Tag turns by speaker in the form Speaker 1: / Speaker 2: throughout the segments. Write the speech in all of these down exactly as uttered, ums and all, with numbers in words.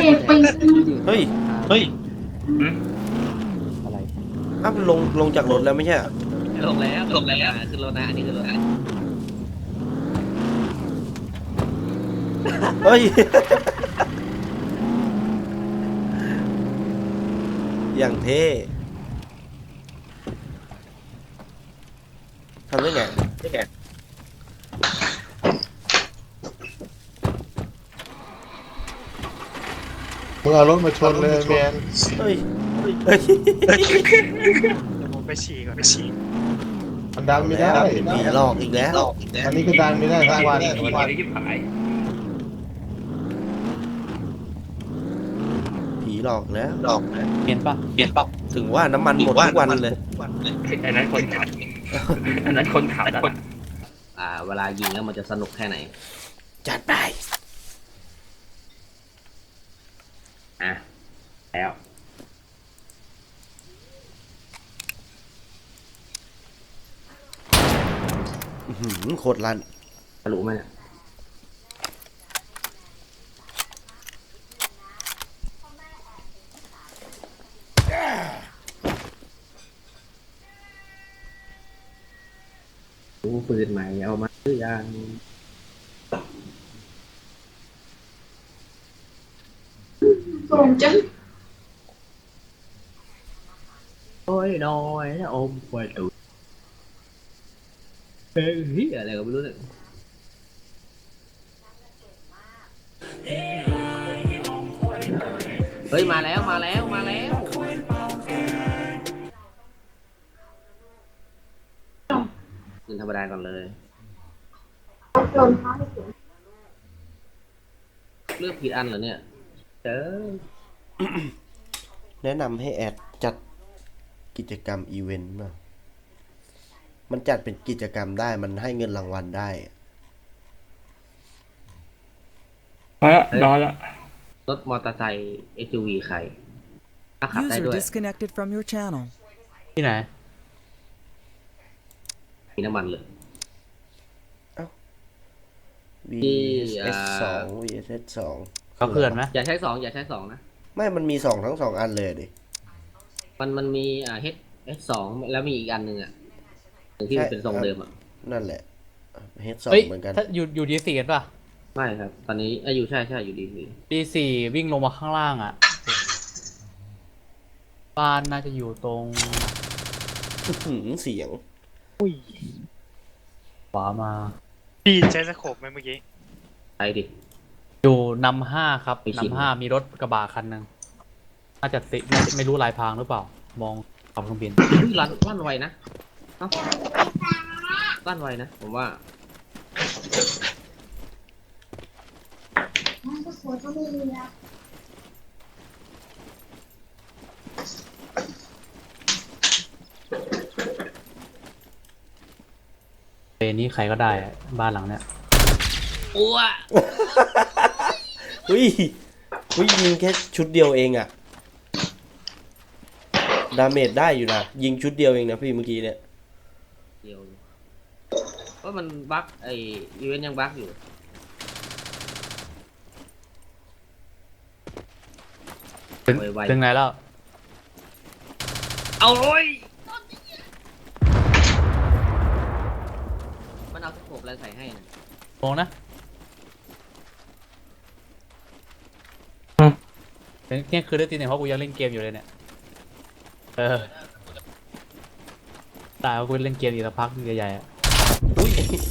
Speaker 1: เฮ้ยเฮ้ย
Speaker 2: อะไร
Speaker 1: อ้าวลงลงจากรถแล้วไม่ใช่เหรอ
Speaker 3: ลงแล้วลงแล้วขึ้นรถนะอันนี้ขึ้นรถนะ
Speaker 1: เฮ้ย อย่างเท่ทำได้ไงได้ไง
Speaker 4: มึงเอารถมาชนเลยแมน
Speaker 1: เฮ้ยเฮ้ย
Speaker 5: เดี๋ยวผมไปฉี่ก่อนไปฉี่
Speaker 4: มันดันไม่ได้
Speaker 1: ผีหลอกอีกแล้ว
Speaker 4: อันนี้ก็ดันไม่ได้ทั้งวัน
Speaker 3: วันนี้ยิบหาย
Speaker 1: ผีหลอกแล้ว
Speaker 2: เปลี่ยนปะ
Speaker 3: เปลี่ยนเปล่า
Speaker 1: ถึงว่าน้ำมันหมดทุกวันเลย
Speaker 3: อันนั้นคนขับอันนั้นคนขับคนอ่าเวลายิงแล้วมันจะสนุกแค่ไหน
Speaker 1: จัดไป
Speaker 3: อ่ะแล้ว
Speaker 1: อื้อหือโคตรลั่น
Speaker 3: รู้ไหมเนี่ยรู้ปืนใหม่เอามาหรือยัง
Speaker 6: Còn chứ
Speaker 3: โอ้ยน้อยนะอมไปดูเฮ้ยอะไรก็ไม่รู้เนี่ยเฮ้ยมาแล้วมาแล้วมาแล้วขึ้นธรรมดาก่อนเลย
Speaker 6: Còn nói chuyện
Speaker 3: เลือกผิดอันเหรอเนี่ยเจอ
Speaker 1: แนะนำให้แอดจัดกิจกรรมอีเวนต์มามันจัดเป็นกิจกรรมได้มันให้เงินรางวัลได้
Speaker 7: มาละนอนละ
Speaker 3: รถมอเตอร์ไซค์ เอส ยู วี ใครถ้าขับได้
Speaker 8: User
Speaker 3: ด้วย
Speaker 8: disconnected from your channel.
Speaker 2: ที่ไหน
Speaker 3: มีน้ำมันเลย
Speaker 1: วี เอส สอง วี เอส สอง
Speaker 2: เขาเขื่อนไหม
Speaker 3: อย่าใช้สองอย่าใช้สองนะ
Speaker 1: ไม่มันมีสองทั้งสองอันเลยดิ
Speaker 3: มันมันมีอ่า H H สองแล้วมีอีกอันหนึ่งอ่ะหนึ่งที่มันเป็นทรงเดิมอ่ะ
Speaker 1: นั่นแหละเฮดสอง
Speaker 2: เฮ้ย
Speaker 1: เหมือนกัน
Speaker 2: ถ้าอยู่อยู่ดีสี่กันปะ
Speaker 3: ไม่ครับ ตอนนี้อายุใช่ใช่อยู่ดีดี
Speaker 2: ดีสี่วิ่งลงมาข้างล่างอ่ะ บ้านน่าจะอยู่ตรง
Speaker 1: อื้อหือเสียง
Speaker 2: ขวามา
Speaker 5: พี่ใช้สโคปไหมเมื่อกี้
Speaker 3: ไปดิ
Speaker 2: อยู่นำห้าครับ
Speaker 3: ไปชิม
Speaker 2: นำห้ามีรถกระบะคันหนึ่งน่าจะติไม่ไม่รู้ลายพรางหรือเปล่า มองขับเครื่องบิน
Speaker 3: เฮ้ยลั่นลั่นไวนะเอ้าลั่นไวนะ ผมว่า
Speaker 6: Nó có có đi ra
Speaker 2: เปนี้ใครก็ได้อะบ้านหลังเนี้ย
Speaker 3: อ้ว
Speaker 1: เฮ้ยเฮ้ยยิงแค่ชุดเดียวเองอะดาเมจได้อยู่นะ ยิงชุดเดียวเองนะพี่เมื่อกี้เนี่ย
Speaker 3: เดียวเพราะมันบั๊กไออีเวนต์ยังบั๊กอยู่
Speaker 2: ถึง
Speaker 3: ไวๆ
Speaker 2: ถึงไหนแล้ว
Speaker 3: เอาเลยมันเอาสโคปอะไรใส่ให้นะ
Speaker 2: มองนะเนี่ยคือได้ตีเนี่ยเพราะกูยังเล่นเกมอยู่เลยเนี่ย เออตายเพราะกูเล่นเกมอีกสักพักใหญ่ๆอ่ะ
Speaker 1: อุ้ย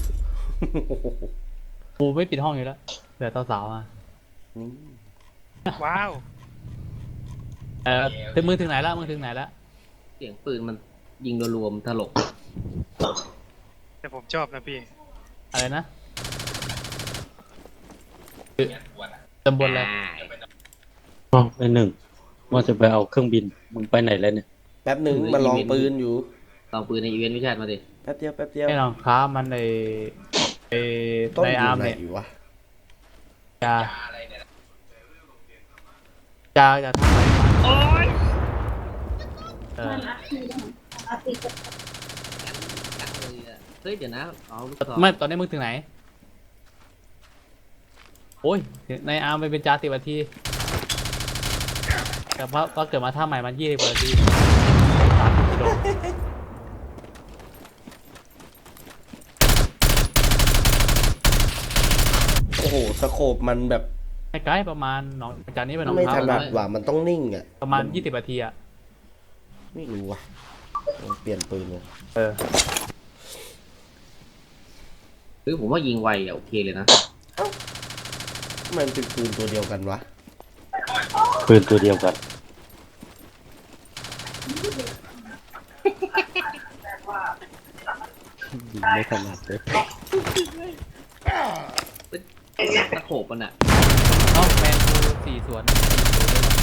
Speaker 2: กูไม่ปิดห้องอยู่แล้วเหลือสาวๆมา
Speaker 1: นี่
Speaker 5: ว้าว
Speaker 2: เออถึงมือถึงไหนแล้วมือถึงไหนแล้ว
Speaker 3: เสียงปืนมันยิงรวมๆถลก
Speaker 5: แต่ผมชอบนะพี่
Speaker 2: อะไรนะตำบลอะไร
Speaker 7: อ๋อไปหนึ่งว่าจะไปเอาเครื่องบิน มึงไปไหนแล้วเนี่ย
Speaker 1: แป๊บหนึ่งมาลองปืนอยู่
Speaker 3: ลองปืนในอีเวนต์วิชามาดิ
Speaker 1: แป๊บเดียวแป๊บเดียว
Speaker 2: ไอ้รองค้ามันในไอ้
Speaker 1: ต้น
Speaker 2: ใน
Speaker 1: อ
Speaker 2: อาร์
Speaker 1: ยู่
Speaker 2: ม
Speaker 1: ไหน
Speaker 2: เนี่ย
Speaker 1: อยู่วะ
Speaker 2: จะจะจะทำอะไรมาเออ
Speaker 6: Nó thì
Speaker 3: จังเลยอะเฮ้ยเดี๋ยวนะเอาลูกศร
Speaker 2: ไม่ตอนนี้มึงถึงไหน โอ้ยในอาร์มไปเป็นจาติบัทีแต่ว่าว่าเกิดมาท่าใหม่มันยี่สิบกว่านาทีสามกิโล
Speaker 1: โอ้โหสโคปมันแบบ
Speaker 2: ให้ไกลประมาณหนองจากนี้ไปหนอง
Speaker 1: ไม่
Speaker 2: เท้า
Speaker 1: ถนัดว่ะมันต้องนิ่งอ่ะ
Speaker 2: ประมาณยี่สิบนาทีอะ
Speaker 1: ไม่รู้ว่ะลองเปลี่ยนปืนเลย
Speaker 2: เออ
Speaker 3: หรือผมว่ายิงไวอะโอเคเลยนะ
Speaker 1: มันเป็นปืนตัวเดียวกันวะ
Speaker 7: ปืนตัวเดียวกันยิงไม่ถนัดเลย
Speaker 3: ตะโขบมันอะ
Speaker 2: เอ้าแมนดูสี่สวนสี่สวนเลยเหรอ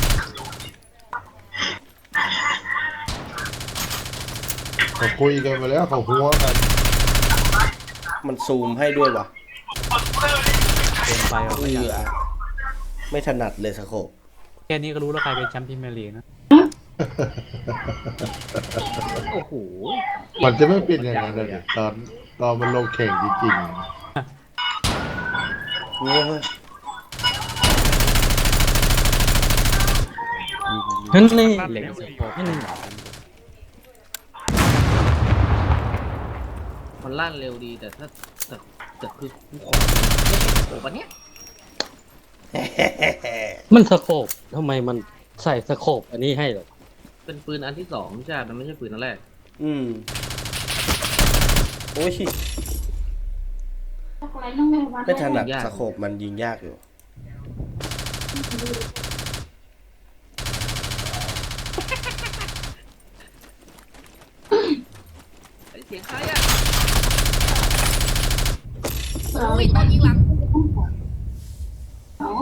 Speaker 4: เขาคุยกันไปแล้วเขาหัวกัน
Speaker 1: มันซูมให้ด้วยวะ
Speaker 2: เกินไปอ่ะ
Speaker 1: เอ
Speaker 2: ไม่อยาก
Speaker 1: อไม่ถนัดเลยสโคป
Speaker 2: แค่นี้ก็รู้แล้วใครเป็นแชมป์พรีเมียร์ลีกนะ
Speaker 3: โอ้โห
Speaker 4: มันจะไม่เป็นอย่างนั้นเลยตอนตอนมันลงแข่งจริง
Speaker 1: เงี้ยเว้ย
Speaker 7: นั่นนี่
Speaker 5: ลั่น
Speaker 7: เหล็ก
Speaker 5: เร็ว
Speaker 7: ส
Speaker 5: ดี
Speaker 7: ปอร์ตนั่น
Speaker 3: มันลั่นเร็วดีแต่ถ้าแต่แต่คือกูขอไม่ใช่ตะโขบอันเนี้ย
Speaker 7: มันสโคบทำไมมันใส่สโคบอันนี้ให้เหรอ
Speaker 3: เป็นปืนอันที่สองใช่มันไม่ใช่ปืนอันแรก
Speaker 1: อืมโอ้ย
Speaker 6: อะไรต้องแม่วัด
Speaker 1: ไม่ถนัดสโคปมันยิงยากอยู่
Speaker 3: ไอ้เสียงใครอะ
Speaker 6: โอ้ยตอนยิงหลังโอ้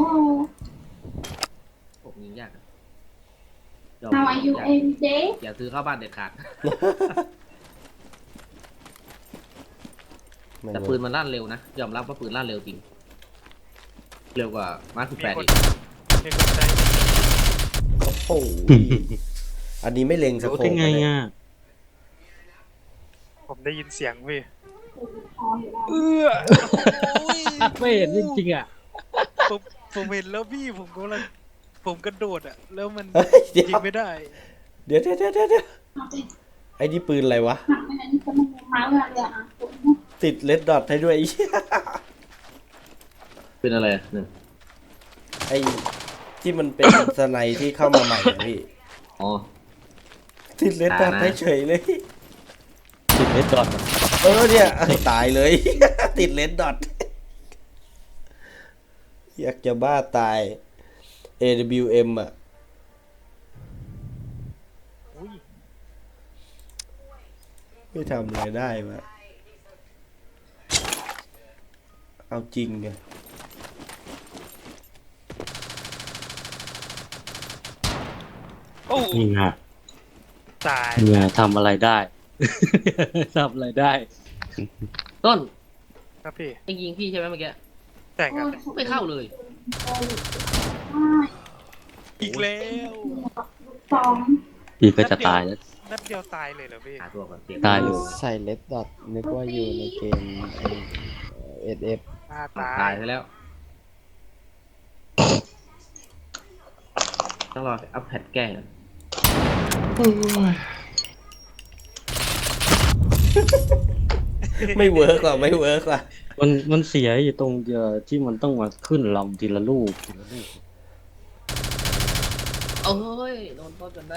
Speaker 3: ผมยิงยากอะยอม
Speaker 6: How are you
Speaker 3: ยาก
Speaker 6: every day
Speaker 3: อย่าซื้อเข้าบ้านเด็ดขาด
Speaker 1: ไม่
Speaker 3: แต่
Speaker 1: เว้ย
Speaker 3: ปืนมันลั่นเร็วนะ ยอมรับว่าปืนลั่นเร็วจริง เร็วกว่ามาร์คสิบ
Speaker 5: มี
Speaker 3: แปด
Speaker 5: คน
Speaker 3: อีก
Speaker 5: มีคนใจ
Speaker 1: โอ้โหอันนี้ไม่เล็งส
Speaker 7: รู้
Speaker 1: โคป
Speaker 7: ได้ไง
Speaker 1: เลย
Speaker 7: อ่ะ
Speaker 5: ผมได้ยินเสียงพี่
Speaker 7: ไม่เห็นจริงๆอ่ะ
Speaker 5: ผมผมเห็นแล้วพี่ผมกำลังผมกระโดดอ่ะ แล้วมัน
Speaker 1: เฮ้ยเดี๋ยว
Speaker 5: ยิงไม่ได้
Speaker 1: เดี๋ยวเดี๋ยวเดี๋ยวเดี๋ยวไอ้นี่ปืนอะไรวะ ติดเลดดอทให้ด้วยไอ้เหี้ย
Speaker 3: เป็นอะไรอะหนึ่ง
Speaker 1: ไอ้ที่มันเป็นสไนที่เข้ามาใหม่อะพี่
Speaker 3: อ๋อ
Speaker 1: ติดเลดดอทให้เฉยเลย
Speaker 7: ติดเลดดอท
Speaker 1: เออเนี่ยตายเลย ติดเลนดอทอยากจะบ้าตาย เอ ดับเบิลยู เอ็ม อ่ะ
Speaker 5: อุ้ย
Speaker 1: ไม่ทำอะไรได้มาเอาจริงไง
Speaker 5: โอ้
Speaker 7: นี่ไง
Speaker 5: ตาย
Speaker 7: นี่ไงทำอะไรได้ ทำอะไรได้
Speaker 3: ต้น
Speaker 5: ครับพี่
Speaker 3: ไอ้ยิงพี่ใช่ไหมเมื่อกี้
Speaker 5: แต่ครับ
Speaker 3: ไม่เข้าเลย
Speaker 5: อีกแล้ว
Speaker 6: สอง
Speaker 7: พี่ก็จะตายแล้ว
Speaker 5: นัดเดียวตายเลยเหรอพี่
Speaker 3: หาตัวก่อนเสียง
Speaker 7: ตายอยู่
Speaker 8: ใส่เลดดอทนึกว่าอยู่ในเกมเอสเอฟ
Speaker 5: อ่า
Speaker 3: อ่ะ
Speaker 5: ตา
Speaker 3: ตาย
Speaker 5: ย
Speaker 3: ไปแล้ว ต้องรออัพแพดแก้ก่อน
Speaker 1: ไม่เวิร์กว่ะไม่เวิร์กว่ะ
Speaker 7: มันมันเสียอยู่ตรงเดียวที่มันต้องมาขึ้นลำทีละลูกทีละลูก
Speaker 3: โอ้ยโดนต้นจนได้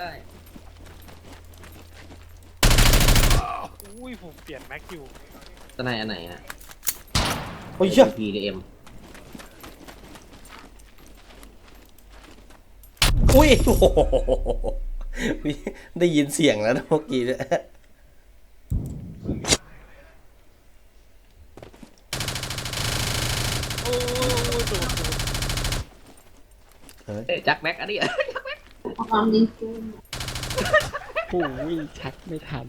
Speaker 5: อุ้ยผมเปลี่ยนแม็กอยู่
Speaker 3: ตอนไหนอันไหนฮะ
Speaker 1: โอ้ยเหี้ย
Speaker 3: พีหรือเอ็ม
Speaker 1: อุ้ยโอ้โหได้ยินเสียงแล้วนะเมื่อกี้เนี่ย
Speaker 5: โอ้ยโดนโดน
Speaker 1: เฮ้ย
Speaker 3: เอ๊ะจักแม็กอันนี้
Speaker 6: ความดีคือ
Speaker 8: ผู้วิ่งชักไม่ทัน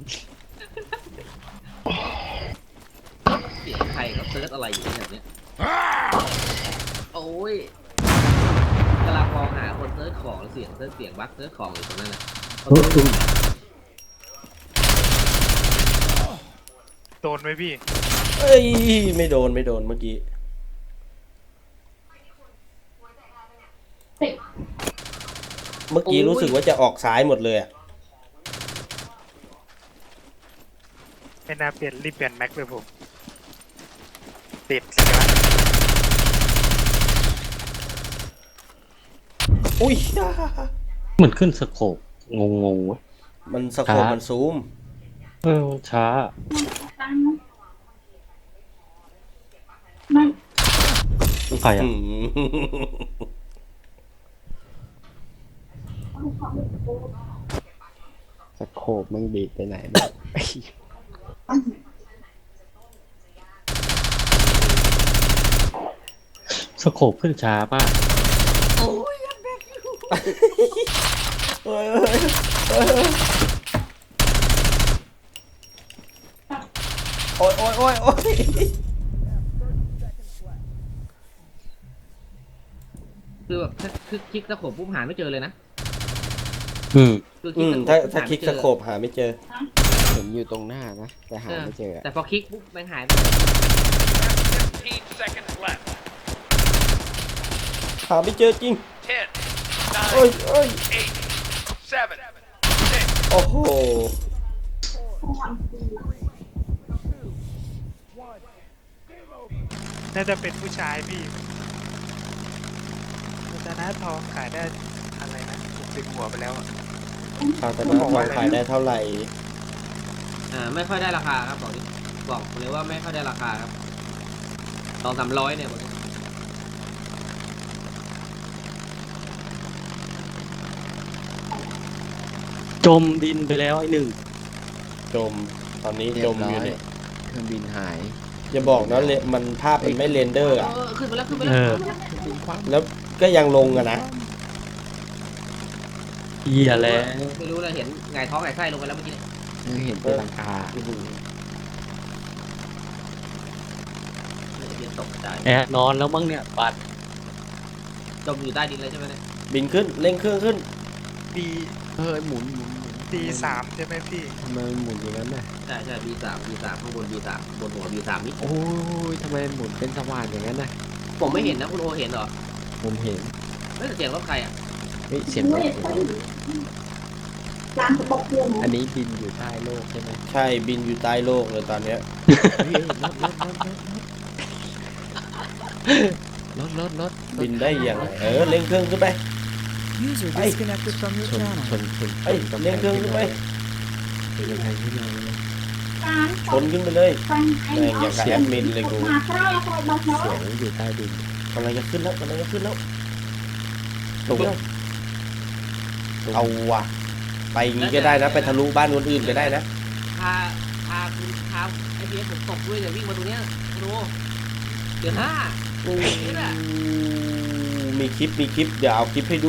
Speaker 3: เสียงใครเขาเซิร์ชอะไรอยู่แบบเนี้ยโอ้ยกำลังมองหาคนเซิร์ชของแล้วเสียงเซิร์ชเสียงบั๊กเซิร์ชของอยู่ตรงนั้นน่ะ
Speaker 5: โดนไหมพี่
Speaker 1: เอ้ยไม่โดนไม่โดนเมื่อกี้
Speaker 6: ติด
Speaker 1: เมื่อกี้รู้สึกว่าจะออกซ้ายหมดเลยอะ
Speaker 5: ไม่น่าเปลี่ยนรีบเปลี่ยนแม็กเลยผมติดสิครับ
Speaker 1: อุ้ย
Speaker 7: เหมือนขึ้นสโคปงงงๆวะ
Speaker 1: มันสโคป
Speaker 7: ช้ามั
Speaker 1: มันซูม
Speaker 7: เออมันช้า
Speaker 6: ตังไม่
Speaker 7: ใครอ่ะ
Speaker 8: สโคปมึงดีดไปไหนบ้าง
Speaker 7: สโคปขึ้นช้าป่ะ
Speaker 1: โอ้ยโอ้ยโอ้ยโอ้ยโอ้ยโอ้ยโอ้ย
Speaker 3: คือแบบถ้าคือคลิกตะขบปุ๊บหาไม่เจอเลยนะ
Speaker 7: อืม
Speaker 3: คือค
Speaker 1: อื
Speaker 3: ลิก
Speaker 1: ม
Speaker 3: ตะขบ
Speaker 1: ถ้า
Speaker 3: ปุ๊บ
Speaker 1: ถ้า
Speaker 3: ห
Speaker 1: คลิก
Speaker 3: ไม่
Speaker 1: ส
Speaker 3: เจอ
Speaker 1: โคปหาไม่เจอ
Speaker 8: เห็นอยู่ตรงหน้านะ แต่หาไม่เจออะ
Speaker 3: แต่พอคลิกปุ๊บแม่งหายไป
Speaker 1: หาไม่เจอจริงโอ้ยโอ้ยโอ้โห
Speaker 5: น่าจะเป็นผู้ชายพี่ชนะทองขายได้อะไรนะผมดึงหัวไปแล้วอะ
Speaker 1: ข่าวแต่ว่าของขายได้เท่าไหร่
Speaker 3: อ่าไม่ค่อยได้ราคาครับบอกดิบอกเลยว่าไม่ค่อยได้ราคาครับสองสามร้อยเนี่ยบอกดิ
Speaker 7: จมดินไปแล้วไอ้หนึ่ง
Speaker 1: จม ตอนนี้
Speaker 8: เรี
Speaker 1: จ
Speaker 8: ย
Speaker 1: ม
Speaker 8: บร้
Speaker 1: อ
Speaker 8: อยู่
Speaker 1: เนี่ย
Speaker 8: เครื่องบินหาย
Speaker 1: อย่าบอกนะเลมันภาพมันไม่เรนเดอร์อ่ะ
Speaker 3: เออขึ้นไปแล้วขึ้นไป
Speaker 7: เอ
Speaker 3: แล้ว
Speaker 7: อ
Speaker 1: แล้วก็ยังลงอะนะ
Speaker 7: เหี้ยแล้ว
Speaker 3: ไม่รู้เลยเห็นไงท้องไงไส้ลงไปแล้วเมื่อกี้เนี่ย
Speaker 8: เออเห็นเป็นหลังคา
Speaker 1: อื้อหือ
Speaker 3: เดี๋ยวตกใจ
Speaker 7: แอบนอนแล้วมั้งเนี่ยบัด
Speaker 3: จมอยู่ใต้ดินเลยใช่ไหมเนี่ย
Speaker 1: บินขึ้นเร่งเครื่องขึ้น
Speaker 5: บี
Speaker 8: เฮ้ยหมุนหมุนหมุน
Speaker 5: บีสามใช่ไหมพี่
Speaker 8: ทำไมมันหมุนอย่างนั้นน่ะ
Speaker 3: ใช่ใช่ บี สาม บี สาม ข้างบน บี สาม บนหัว บี สามนี่
Speaker 8: โอ้ยทำไมหมุนเป็นสว่านอย่างนั้นน่ะ
Speaker 3: ผมไม่เห็นนะคุณโอเห็นเหรอ
Speaker 8: ผมเห็น
Speaker 3: ไม่แต่เสียงรถใครอ่ะ
Speaker 8: เฮ้ยเสียงรถเสียงรถ
Speaker 6: ร้านกระบอกเพื่อน
Speaker 8: อันนี้บินอยู่ใต้โลกใช่ไหม
Speaker 1: ใช่บินอยู่ใต้โลกเลยตอนเนี้ย
Speaker 8: เฮ้ยรถรถรถรถรถรถรถ
Speaker 1: บินได้ยังไงเออเร่งเครื่องขึ้นไป
Speaker 9: User
Speaker 1: Hey.
Speaker 9: disconnected from your
Speaker 8: ชน
Speaker 9: channel.
Speaker 8: ชนชน
Speaker 1: เฮ้ย
Speaker 8: ชน
Speaker 1: เร่งเครื่องขึ้นไป
Speaker 8: เป็นกำแพงขึ้นมาเลย
Speaker 6: ร้าน
Speaker 1: ชนขึ้นไปเลย
Speaker 6: ฟันไอ้
Speaker 1: แม่งอย่างกับแอดมินเลยกู
Speaker 6: มาใกล้ใกล้บ้านน้อ
Speaker 8: เสีย
Speaker 6: ย
Speaker 8: งอยู่ใต้ดิน
Speaker 1: กำลังจะขึ้นแล้วกำลังจะขึ้นแล้วตกแล้วเอาว่ะไปอย่างงี้ก็ได้นะไปทะลุบ้านคนอื่นก็ได้นะ
Speaker 3: พา พาคุณพาไอเบียผมตกด้วยเนี่ยวิ่งมาตรงเนี้ยคุณโอเดือห้านี่แหละ
Speaker 1: มีคลิปมีคลิปเดี๋ยวเอาคลิปให้ดู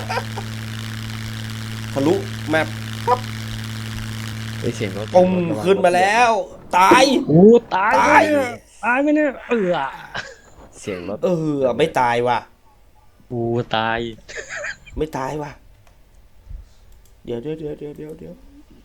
Speaker 1: ทะลุแมป
Speaker 8: ไอยเสียงรถ
Speaker 1: ปุ้ม
Speaker 8: รถระวัง
Speaker 1: ขึ้นมาแล้ว ตาย
Speaker 7: โอ้ตาย
Speaker 1: ตาย
Speaker 7: ไหมเนี่ยตายไหมเนี่ยเออ
Speaker 8: เสียงรถ
Speaker 1: เออไม่ตายว่ะ
Speaker 7: โอ้ตาย
Speaker 1: ไม่ตายว่ะ เดี๋ยวเดี๋ยวเดี๋ยวเดี๋ยวเดี๋ยวเดี๋ยว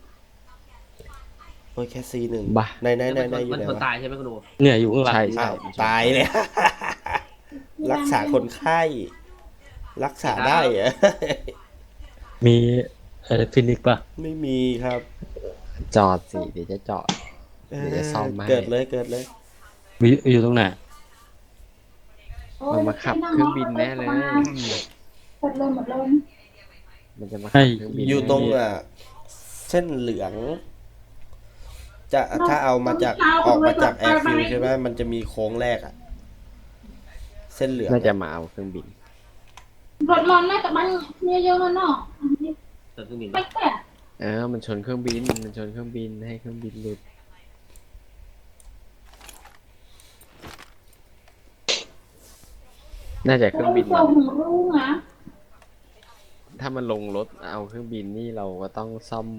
Speaker 1: โอ้ยแค่ซีหนึ่ง
Speaker 8: บ้า
Speaker 1: ในในในในอยู่
Speaker 3: มัน
Speaker 1: ไหน
Speaker 3: คน
Speaker 1: วะ
Speaker 3: ตายใช่ไหมคุณโอ
Speaker 7: เนี่ยอยู่ข้างหลัง
Speaker 8: ใช่
Speaker 1: อ้า
Speaker 8: ใช่
Speaker 1: วตายเลย รักษาคนไข้ รักษาได้เหรอ
Speaker 7: มีเออฟินิกป่ะ
Speaker 1: ไม่มีครับ
Speaker 8: จอดสิเดี๋ยวจะจอด เดี๋ยวจะซ่อมให้
Speaker 1: เกิดเลยเกิดเลย
Speaker 7: วิอยู่ตรงไหน
Speaker 8: มันมาขับเครื่องบินแน่เลย
Speaker 6: หมดเลยหมดเลย
Speaker 8: มันจะมา
Speaker 7: ให้
Speaker 8: ขับเครื่องบิน
Speaker 1: อยู่ตรงอ่ะเส้นเหลือง จะถ้าเอามาจากออกมาจากแอร์ฟิลใช่ไหมมันจะมีโค้งแรกอ่ะ เส้นเหลือง
Speaker 8: น่าจะมาเอาเครื่องบิน
Speaker 6: รถร้อนแม่กับบ้านเยอะๆเนาะ
Speaker 3: เกิดขึ้นบิน
Speaker 6: ไม่แต่
Speaker 8: เออ มันชนเครื่องบิน มันชนเครื่องบินให้เครื่องบินหลุด น่าจะเครื่องบิน
Speaker 6: ส่
Speaker 8: มัน
Speaker 6: งรู้นะ
Speaker 8: ถ้ามันลงรถเอาเครื่องบินนี่เราก็ต้องซ่อม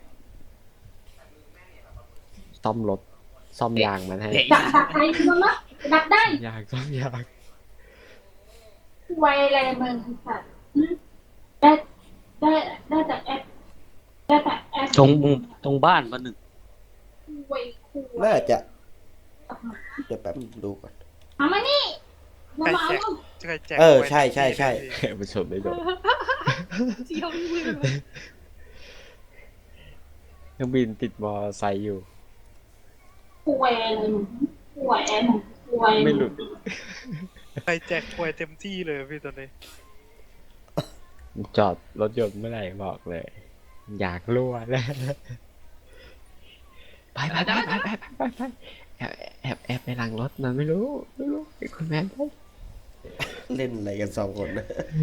Speaker 8: ซ่อมรถ ซ่อมยางมันให้
Speaker 3: เด็ก
Speaker 6: ดักดักใครมึงนะดักได้
Speaker 8: ยางซ่อมยาง
Speaker 6: ไวอะไรมึงสัตว์ได้ได้ได้แต่แอปได้แต่แอป
Speaker 7: ตรงตรงบ้านมาหนึ่ง
Speaker 6: ไวคู
Speaker 1: น่าจะ เดี๋ยวแป๊บดูก่อน
Speaker 6: เอามานี่มา
Speaker 5: ใคร
Speaker 6: เอา
Speaker 5: แจกใครแจก
Speaker 1: เออ
Speaker 5: ไว้
Speaker 1: ใช่ใช่ใช่
Speaker 5: พี่
Speaker 8: มันชนได้โดน
Speaker 3: เที่ยวที่มือ
Speaker 8: เครื่องบินติดมอไซค์อยู่
Speaker 6: ป่วยอะไรมึงป่วยอะไรมึงป่วย
Speaker 8: ไม่หลุด
Speaker 5: ไปแจกป่วยเต็มที่เลยพี่ตอนนี้
Speaker 8: จอดรถยนต์เมื่อไหร่บอกเลย อยากรั่วแล้วไปไปไปไปไปไปไปแอบแอบแอบในหลังรถมันไม่รู้ไม่รู้ไอ้คุณแม่ไป
Speaker 1: เล่นอะไรกันสองคนนะ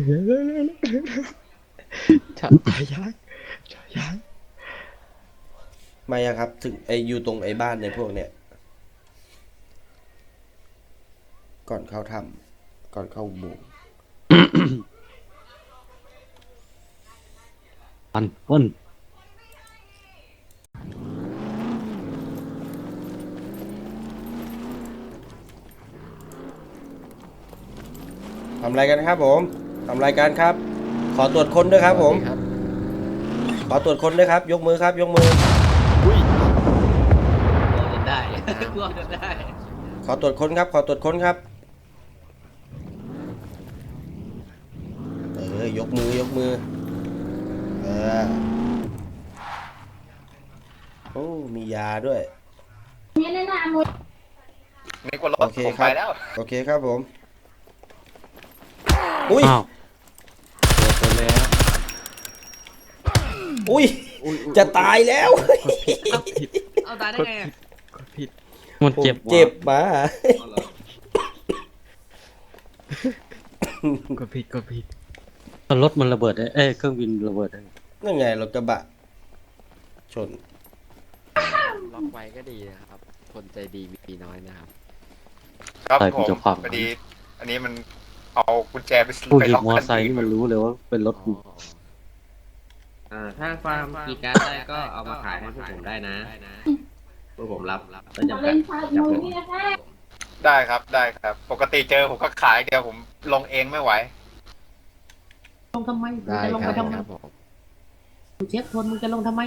Speaker 8: จอดจอดยักจอดยัก
Speaker 1: มายังครับ ถึงไออยู่ตรงไอ้บ้านในพวกเนี้ยก่อนเข้าถ้ำก่อนเข้าอุโบงค์
Speaker 7: ปันป้น
Speaker 1: ทำอะไรกันครับผมทำอะไรกันครับ ขอตรวจค้นด้วยครับผม
Speaker 8: ครับ
Speaker 1: ขอตรวจค้นด้วยครับ ยกมือครับ ยกมือ
Speaker 3: กลัวจนได้กลัวจนได้
Speaker 1: ขอตรวจค้นครับ ขอตรวจค้นครับ เออยกมือยกมือ เออ โอ้ มียาด้วย
Speaker 6: นี่แนะนำมึง
Speaker 9: นึกว่าร
Speaker 1: โอ
Speaker 9: ถ
Speaker 1: เค
Speaker 9: ผม
Speaker 1: ครั
Speaker 9: ไป
Speaker 1: บ
Speaker 9: แล้ว
Speaker 1: โอเคครับผม อุ้ย
Speaker 7: อ้าว
Speaker 8: เปิดเลยฮะ
Speaker 1: อุ้ย จะตายแล้ว
Speaker 3: เอาตายได้ไงอะ
Speaker 8: กดผิด
Speaker 7: มัน
Speaker 1: ผม
Speaker 7: เจ็บ
Speaker 1: เจ็บมา
Speaker 3: เอาเหรอก
Speaker 8: ดผิดกดผิด
Speaker 7: รถมันระเบิดได้เอ้ยเครื่องบินระเบิดได้
Speaker 1: นั่นไงรถกระบะ ชน
Speaker 8: ล็อกไว้ก็ดีนะครับ คนใจดีมีน้อยนะครับ
Speaker 9: ครับ
Speaker 7: ใส่
Speaker 9: ผ
Speaker 7: กุญ
Speaker 9: ม
Speaker 7: แจความ
Speaker 9: พอดี อันนี้มันเอากุญแจไป
Speaker 7: ผู้
Speaker 9: ไป
Speaker 7: หยิบ
Speaker 9: ล็อก
Speaker 7: มอ
Speaker 9: คัน
Speaker 7: ไซค์
Speaker 9: อื่
Speaker 7: นี่
Speaker 9: น
Speaker 7: มันรู้เลยว่าเป็นรถกู
Speaker 3: อ่าถ้าฟาร์มกีย์การ์ดได้ก็เอามาขายให้พวกผมได้นะพวกผมรับแล้ว
Speaker 6: มา
Speaker 3: จำกั
Speaker 6: เล่
Speaker 3: ด
Speaker 6: นพาร์ท
Speaker 3: จับ
Speaker 6: มู
Speaker 3: ผม
Speaker 6: นี่นะคะ
Speaker 9: ได้ครับได้ครับ ปกติเจอผมก็ขายเดียวผมลงเองไม่ไหว
Speaker 3: ลงทำไม
Speaker 8: ได้
Speaker 3: จะลง
Speaker 8: ค
Speaker 3: ไป
Speaker 8: รับ
Speaker 3: ทำไม
Speaker 8: ครับผม
Speaker 3: มึงเช็คทนมึงจะลงทำไม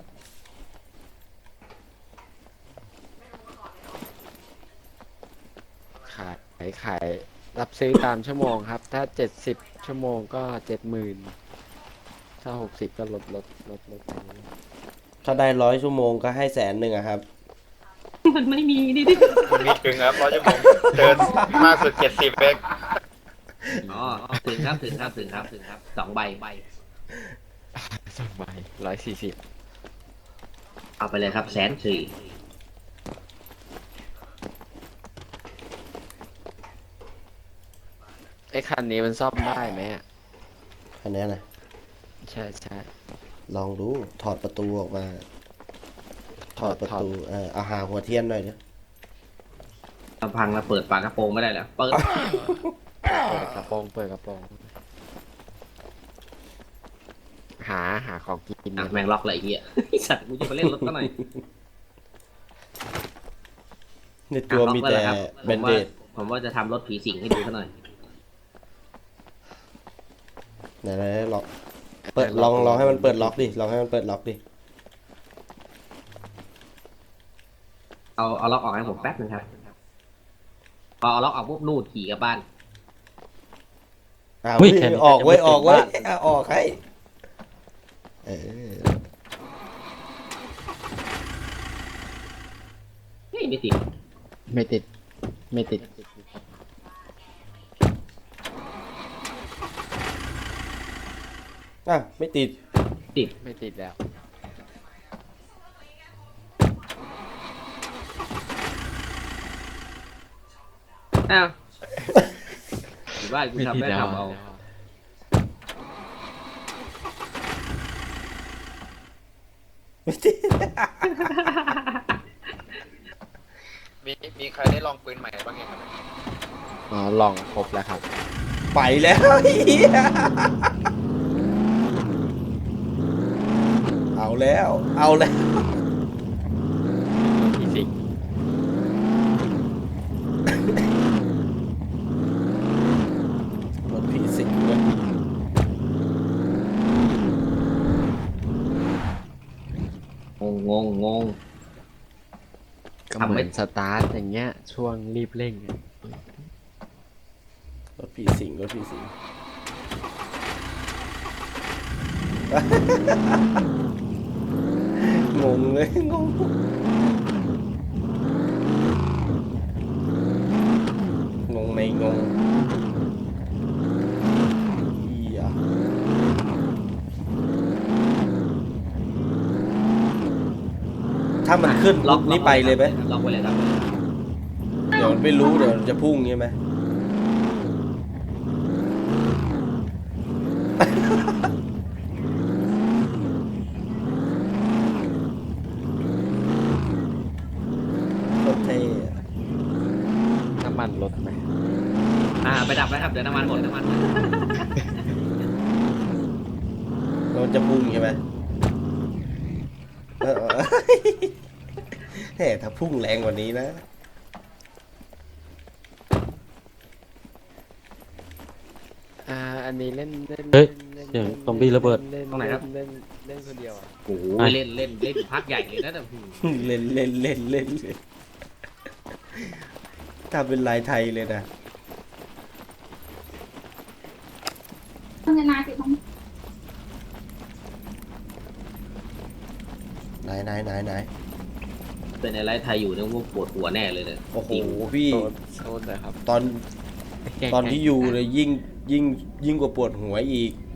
Speaker 8: ขายขายขายรับซื้อตามชั่วโมงครับ ถ้าเจ็ดสิบชั่วโมงก็เจ็ดหมื่นถ้าหกสิบก็ลดลดลดลดไปเรื่อย
Speaker 1: ถ้าได้ร้อยชั่วโมงก็ให้แสนหนึ่งอะครับ
Speaker 3: มันไม่มีนี่ดิ
Speaker 9: มันมีถึงครับเพราะจะผมเจอมากสุดเจ็ดสิบเอง
Speaker 3: อ๋อถึงครับถึงครับถึงครับถึงครับสองใบใบ
Speaker 8: สองใบร้อยสี่สิบ
Speaker 3: เอาไปเลยครับแสนสี่
Speaker 8: ไอ้คันนี้มันซ่อมได้ไหมอะ
Speaker 1: อันเนี้ยนะ
Speaker 8: ใช่ใช่
Speaker 1: ลองดูถอดประตูออกมา ถอดประ
Speaker 8: ถอด
Speaker 1: ตูเออเอาหาหัวเทียนหน่อยเนี
Speaker 3: ลำพังเราเปิดฝากระโปรงไม่ได้แล้วเปิด
Speaker 8: เปิดกระโปรงเปิดกระโปรงหาหาของกิน
Speaker 3: อ่ะ
Speaker 8: เนี่ย
Speaker 3: แมงล็อกเลยไอ้เหี้ยไอ้สัตว์กูจะไปเล่นรถก็หน่อย
Speaker 1: ในตัวมีแต่
Speaker 3: อ่ะล็อกไว้
Speaker 1: เบ
Speaker 3: แล้ว
Speaker 1: น
Speaker 3: ครับ
Speaker 1: เด
Speaker 3: ผมว่าผมว่าจะทำรถผีสิงให้ดูซะหน่อย
Speaker 1: ไหนไหนลองเปิดลองลองให้มันเปิดล็อกดิลองให้มันเปิดล็อกดิ
Speaker 3: เอาเอาล็อกออกให้ผมแป๊บนึงครับพอเอาล็อกออกปุ๊บนู่นขี่กลับบ้าน
Speaker 1: อ้าว
Speaker 7: เฮ้ย
Speaker 1: เฮ้ย
Speaker 7: แค่นี้
Speaker 1: ออกเว้ย
Speaker 7: จะ
Speaker 1: อ
Speaker 7: ไม่
Speaker 1: อกเว้ย
Speaker 7: ติดบ้าน
Speaker 1: อ่ะออกให้เออ
Speaker 3: เฮ้ยไม่ติด
Speaker 8: ไม่ติด ไม่ติด
Speaker 1: อ่ะไม่ติด
Speaker 3: ติด
Speaker 8: ไม่ติดแล้ว
Speaker 3: อ้าวอยู่บ้านกู
Speaker 8: ไม่
Speaker 3: ทำ
Speaker 8: ติด
Speaker 3: ได้
Speaker 8: แล้ว
Speaker 3: ทำเอา
Speaker 1: ไม่ติด
Speaker 9: มีมีใครได้ลองปืนใหม่บ้างยังครับ
Speaker 8: อ๋อลองครบแล้วครับ
Speaker 1: ไปแล้วเหี้ยเอาแล้ว เอาแล้ว
Speaker 8: ที่สิง
Speaker 1: รถผีสิงด้วย
Speaker 3: งงงงงง
Speaker 8: ก็
Speaker 3: ทำ
Speaker 8: เห
Speaker 3: ไม่
Speaker 8: มือนสตาร์ทอย่างเงี้ย ช่วงรีบเร่งอะ
Speaker 1: รถผีสิงรถผีสิงงงเลยงงงงในงงเหี้ยถ้ามันขึ้นปุ๊บนี่ไปเลยไหม
Speaker 3: ล็อกไว้เลยครับ
Speaker 1: เดี๋ยวไม่รู้เดี๋ยวจะพุ่งใช่ไหม โคตรเท่อะ
Speaker 8: น้ำมันลดไหม
Speaker 3: อ่าไปดับไปครับเดี๋ยวน้ำมันหมดน้ำมันหมด
Speaker 1: แล้วมันจะพุ่งใช่ไหมเออแหมถ้าพุ่งแรงกว่านี้นะ
Speaker 8: อ่า อันนี้เล่นเล่น
Speaker 7: เฮ้ย
Speaker 8: ล่น
Speaker 7: เสียงซอมบี้ระเบิด
Speaker 8: ล่น
Speaker 3: ตรงไหนครับ
Speaker 8: เล่นเล่นคนเดียวอ่ะ
Speaker 3: โอ้โหเล่นเล่นเล่นพักใหญ่เลยนะแต่หืม
Speaker 1: เล่นเล่นเล่นเล่นเล่นถ้าเป็นลายไทยเลยนะ
Speaker 6: ต้องจะนาติดมั้ง
Speaker 1: ไหนไหนไหนไหน
Speaker 3: เป็นอะไรไทยอยู่เนี่ยพวกปวดหัวแน่เลยเนี่ย
Speaker 1: โอ้โห
Speaker 3: จริง
Speaker 1: พี่
Speaker 8: โซนโซนเลยครับ
Speaker 1: ตอนตอนที่อยู่เลยยิ่งยิ่งยิ่งกว่าปวดหัวอีก